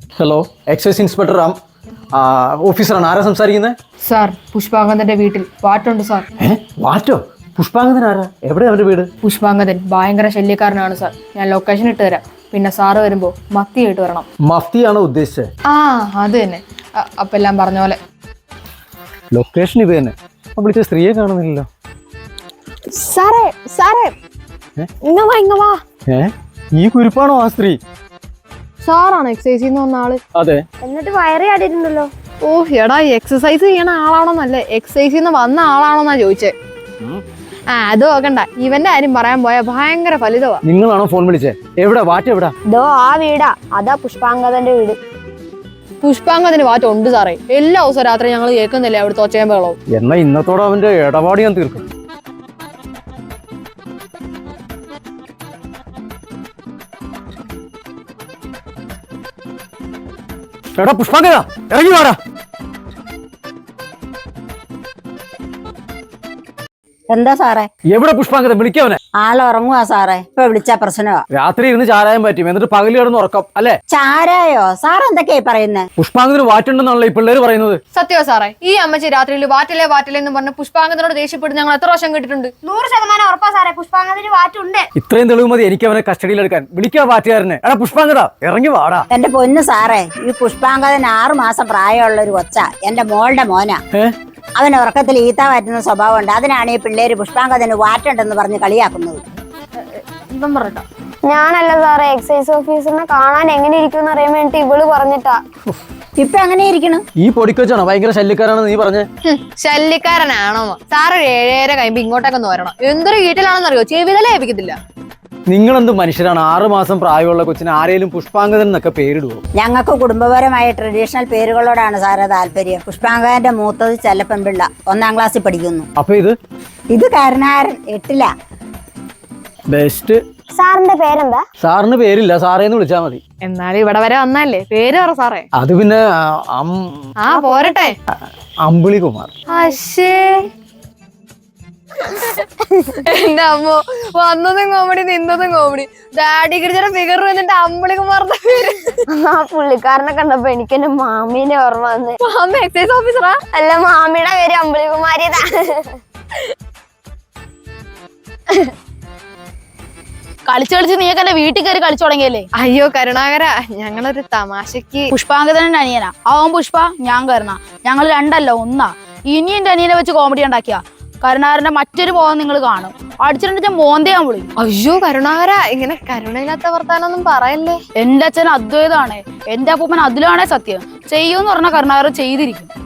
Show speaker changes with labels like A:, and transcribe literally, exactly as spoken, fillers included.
A: Hello, excise inspector Ram ഓഫീസറാണ്. ആരാ സംസാരിക്കുന്നത്?
B: സാർ, പുഷ്പാങ്കദന്റെ വീട്ടിൽ വാറ്റുണ്ട് സാർ.
A: ഏ വാറ്റോ? പുഷ്പാങ്കദൻ ആരാ? എവിടെയാ അവന്റെ വീട്?
B: പുഷ്പാങ്കദൻ ഭയങ്കര ശല്യക്കാരനാണ് സാർ. ഞാൻ ലൊക്കേഷൻ ഇട്ട് തരാം. പിന്നെ സാറ് വരുമ്പോ മത്തി ആയിട്ട് വരണം.
A: മഫ്തിയാണോ ഉദ്ദേശിച്ചത്?
B: ആ അത് തന്നെ. അ- അപ്പൊ എല്ലാം പറഞ്ഞ പോലെ.
A: ലൊക്കേഷൻ ഇത് തന്നെ. അപ്പൊ വിളിച്ച സ്ത്രീയെ കാണുന്നില്ലല്ലോ.
C: സാറേ സാറേ ഇങ്ങ വാ ഇങ്ങ വാ.
A: ഏ ഈ കുരിപ്പാണോ ആ സ്ത്രീ?
B: സാറാണ് എക്സസൈസ് വന്ന ആള്.
A: അതെ.
C: എന്നിട്ട് വയറ് ചാടിയിട്ടുണ്ടല്ലോ.
B: ഓ എടാ, എക്സസൈസ് ചെയ്യണ ആളാണോന്നല്ലേ, എക്സസൈസ് വന്ന ആളാണോന്നാ ചോദിച്ചേ. ആ അത് നോക്കണ്ട, ഇവന്റെ കാര്യം പറയാൻ പോയാ ഭയങ്കര ഫലിതവാ.
A: നിങ്ങളാണോ ഫോൺ വിളിച്ചേ? എവിടെ വാറ്റ്? എവിടാ?
C: ദോ ആ വീടാ, അതാ പുഷ്പാങ്കദന്റെ വീട്.
B: പുഷ്പാങ്കദന് വാറ്റ് ഉണ്ട് സാറേ. എല്ലാ ദിവസവും രാത്രി ഞങ്ങൾ കേൾക്കുന്നില്ലേ അവിടുത്തെ ഒച്ചയും ബഹളവും.
A: എന്നാ ഇന്നത്തോടെ അവന്റെ ഇടപാട് ഞാൻ തീർക്കും. എടാ പുഷ്പാങ്കദ, ഇറങ്ങി വാടാ.
D: എന്താ സാറേ?
A: എവിടെ പുഷ്പാങ്കദ? വിളിക്കവനെ.
D: ആളുറങ്ങുവാ സാറേ. ഇപ്പൊ വിളിച്ച പ്രശ്നമാ.
A: രാത്രി ഇരുന്ന് ചാരായം പറ്റും, എന്നിട്ട് പകല് കിടന്ന് ഉറക്കം അല്ലേ?
D: ചാരായോ? സാർ എന്തൊക്കെയായി പറയുന്നത്?
A: പുഷ്പാങ്കദന് വാറ്റുണ്ടെന്നാണല്ലോ ഈ പിള്ളേര് പറയുന്നത്.
B: സത്യവാ സാറേ. ഈ അമ്മച്ചി രാത്രിയിൽ വാറ്റില്ലേ വാറ്റില്ലേ എന്ന് പറഞ്ഞ് പുഷ്പാങ്കദനോട് ദേഷ്യപ്പെട്ട് ഞങ്ങൾ എത്ര വർഷം കേട്ടിട്ടുണ്ട്.
C: നൂറ് ശതമാനം ഉറപ്പാ സാറേ, പുഷ്പാങ്കദന് വാറ്റുണ്ട്.
A: ഇത്രയും തെളിവ് മതി എനിക്ക് അവനെ കസ്റ്റഡിയിലെടുക്കാൻ. വിളിക്കാ വാറ്റുകാരനെ. എടാ പുഷ്പാങ്കദ, ഇറങ്ങി വാടാ.
D: എന്റെ പൊന്ന് സാറേ, ഈ പുഷ്പാങ്കദൻ ആറു മാസം പ്രായമുള്ള ഒരു കൊച്ച, എന്റെ മോളുടെ മോനാ.
A: ഏ
D: അവൻ ഉറക്കത്തിൽ ഈത്ത വാറ്റുന്ന സ്വഭാവമുണ്ട്. അതിനാണ് ഈ പിള്ളേര് പുഷ്പാങ്കദന് വാറ്റുണ്ടെന്ന് പറഞ്ഞ് കളിയാക്കുന്നത്.
B: ഇപ്പം പറഞ്ഞോ.
C: ഞാനല്ല സാറേ, എക്സൈസ് ഓഫീസറിനെ കാണാൻ എങ്ങനെ ഇരിക്കും അറിയാൻ വേണ്ടി ഇവള് പറഞ്ഞിട്ടാ.
D: ഇപ്പൊ എങ്ങനെ ഇരിക്കണം?
A: ഈ പൊടിക്കൊച്ചാണോ ഭയങ്കര ശല്യക്കാരാണെന്ന് നീ പറഞ്ഞേ?
B: ശല്യക്കാരനാണോ? സാറ് ഒരു ഏഴേര കഴിയുമ്പോ ഇങ്ങോട്ടൊക്കെ ഒന്ന് വരണം. എന്തൊരു വീട്ടിലാണെന്നറിയോ, ചെവിതലേ ഏൽപ്പിക്കത്തില്ല.
A: നിങ്ങളെന്ത് മനുഷ്യരാണ്? ആറു മാസം പ്രായമുള്ള കൊച്ചിന് ആരെയും പുഷ്പാങ്കദൻ എന്നൊക്കെ പേരിടുവോ?
D: ഞങ്ങൾക്ക് കുടുംബപരമായ ട്രഡീഷണൽ പേരുകളോടാണ് സാറേ താല്പര്യം. പുഷ്പാങ്കദന്റെ മൂത്തത് ചെല്ലപ്പെൺപിള്ള, ഒന്നാം ക്ലാസ്സിൽ പഠിക്കുന്നു.
A: അപ്പൊ ഇത്
D: ഇത് കരുണാകരൻ, എട്ടില.
A: ബെസ്റ്റ്.
C: സാറിന്റെ പേരെന്താ?
A: സാറിന് പേരില്ല, സാറേന്ന് വിളിച്ചാ മതി.
B: എന്നാലും ഇവിടെ വരെ വന്നല്ലേ, പേര് പറ സാറേ.
A: അത് പിന്നെ ആ, അം-
B: ആ പോരട്ടെ.
A: അമ്പിളി കുമാർ.
B: അശ്ശേ, എന്റെ അമ്മോ, വന്നതും കോമഡി നിന്നതും കോമഡി. ഡാഡി ഗിരിജയുടെ ഫിഗർ വന്നിട്ട് അമ്പിളികുമാറിന്റെ പേര്.
C: ആ പുള്ളിക്കാരനെ കണ്ടപ്പോ എനിക്ക് എന്റെ മാമീനെ ഓർമ്മ വന്ന്.
B: അമ്മ എക്സൈസ് ഓഫീസറാ?
C: അല്ല, മാമിയുടെ പേര് അമ്പിളികുമാരിതാ.
E: കളിച്ച് കളിച്ച് നീയൊക്കെ എന്റെ വീട്ടിൽ കയറി കളിച്ചു തുടങ്ങിയല്ലേ?
B: അയ്യോ കരുണാകര, ഞങ്ങളൊരു തമാശക്ക്.
E: പുഷ്പാങ്കദന്റെ അനിയനാ അവൻ പുഷ്പ, ഞാൻ കരുണ. ഞങ്ങൾ രണ്ടല്ല ഒന്നാ. ഇനി എന്റെ അനിയനെ വെച്ച് കോമഡി ഉണ്ടാക്കിയ കരുണാകരന്റെ മറ്റൊരു മോഹം നിങ്ങൾ കാണും. അടിച്ചിട്ട് മോന്തയാൻ വിളി.
B: അയ്യോ കരുണാകര, ഇങ്ങനെ കരുണയില്ലാത്ത വർത്താനൊന്നും പറയല്ലേ.
E: എന്റെ അച്ഛൻ അദ്വൈതാണ്, എന്റെ അപ്പൂപ്പൻ അതിലാണേ സത്യം. ചെയ്യൂന്ന് പറഞ്ഞ കരുണാകരൻ ചെയ്തിരിക്കും.